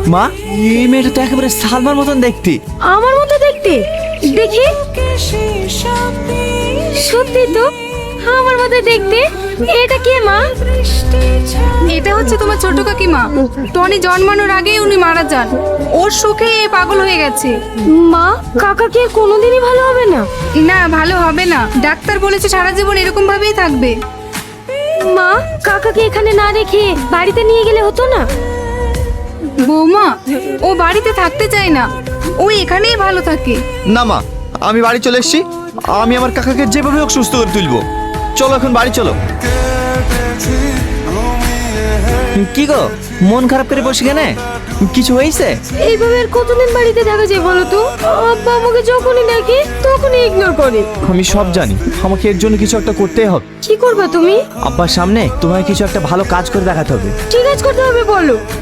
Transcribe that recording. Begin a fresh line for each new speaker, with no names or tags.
মা, এই মেয়েটা তো একেবারে সালমার মতন দেখতে।
আমার মতো দেখতে? দেখি, সত্যি তো আমার মতো দেখতে। এটা কে মা?
এটা হচ্ছে তোমার ছোট কাকিমা। টনি জন্মানোর আগেই উনি মারা যান। ওর শোকে এ পাগল হয়ে গেছে।
মা, কাকা কি কোনোদিনই ভালো হবে না?
না, ভালো হবে না। ডাক্তার বলেছে সারা জীবন এরকম ভাবেই থাকবে।
মা, কাকাকে এখানে না রেখে বাড়িতে নিয়ে গেলে হতো না?
বৌমা, ও বাড়িতে থাকতে চায় না, ও এখানেই ভালো থাকে।
না মা, আমি বাড়ি চলে এসেছি। আমি আমার কাকাকে যেভাবে হোক সুস্থ করে তুলবো। চলো এখন বাড়ি চলো। কি গো, মন খারাপ করে বসে কেন? কিছু হয়েছে?
এইভাবে আর কতদিন বাড়িতে থাকা যায় বলো তো? আব্বা আমাকে যখনই ডাকে তখনই ইগনোর করে।
আমি সব জানি, আমাকে এর জন্য কিছু একটা করতেই হবে।
কি করবা তুমি?
আব্বার সামনে তোমায় কিছু একটা ভালো কাজ করে দেখাতে হবে।
ঠিক কাজ করতে হবে বলো।